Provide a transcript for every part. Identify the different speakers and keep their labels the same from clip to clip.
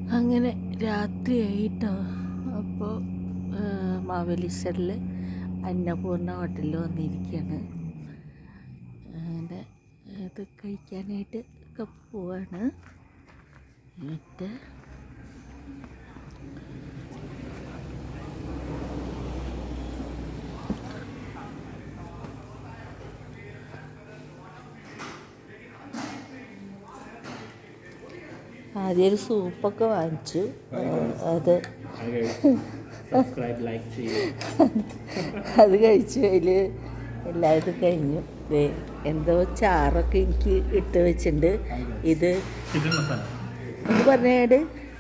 Speaker 1: അങ്ങനെ രാത്രിയായിട്ടോ. അപ്പോൾ മാവേലിസ്റ്ററിൽ അന്നപൂർണ ഹോട്ടലിൽ വന്നിരിക്കുകയാണ്. അങ്ങനെ ഇത് കഴിക്കാനായിട്ട് ഒക്കെ പോവാണ്. എന്നിട്ട് ആദ്യം ഒരു സൂപ്പൊക്കെ വാങ്ങിച്ചു. അത് അത് കഴിച്ചു. അതിൽ എല്ലാവരും കഴിഞ്ഞു. എന്തോ ചാറൊക്കെ എനിക്ക് ഇട്ട് വെച്ചിട്ടുണ്ട്. ഇത് ഒന്ന് പറഞ്ഞേട്.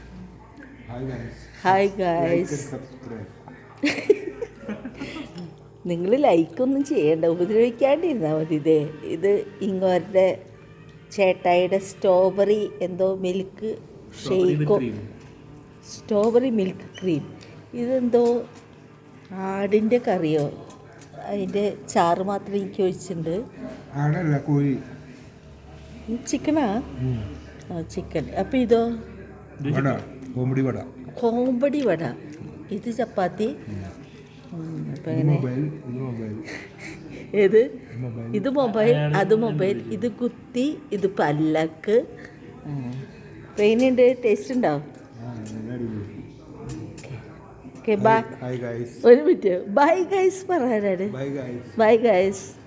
Speaker 1: Hi guys. നിങ്ങൾ ലൈക്കൊന്നും ചെയ്യണ്ട, ഉപദ്രവിക്കാണ്ടിരുന്നാൽ മതി. ഇത് ഇങ്ങോരുടെ ചേട്ടായിയുടെ സ്ട്രോബെറി എന്തോ മിൽക്ക് ഷെയ്ക്കോ, സ്ട്രോബെറി മിൽക്ക് ക്രീം. ഇതെന്തോ ആടിൻ്റെ കറിയോ, അതിൻ്റെ ചാറ് മാത്രം എനിക്ക് ഒഴിച്ചിട്ടുണ്ട്. ചിക്കനാ? ആ ചിക്കൻ. അപ്പം ഇതോ കോമ്പടി വട. ഇത് ചപ്പാത്തി. അപ്പം അങ്ങനെ ഏത്? ഇത് മൊബൈൽ, അത് മൊബൈൽ, ഇത് കുത്തി, ഇത് പല്ലക്ക്. ട്രെയിനുണ്ട്. ടേസ്റ്റ് ഉണ്ടാവും. Okay bye. ഒരു മിനിറ്റ്. ബൈ ഗൈസ് പറയാനാണ്. Bye guys.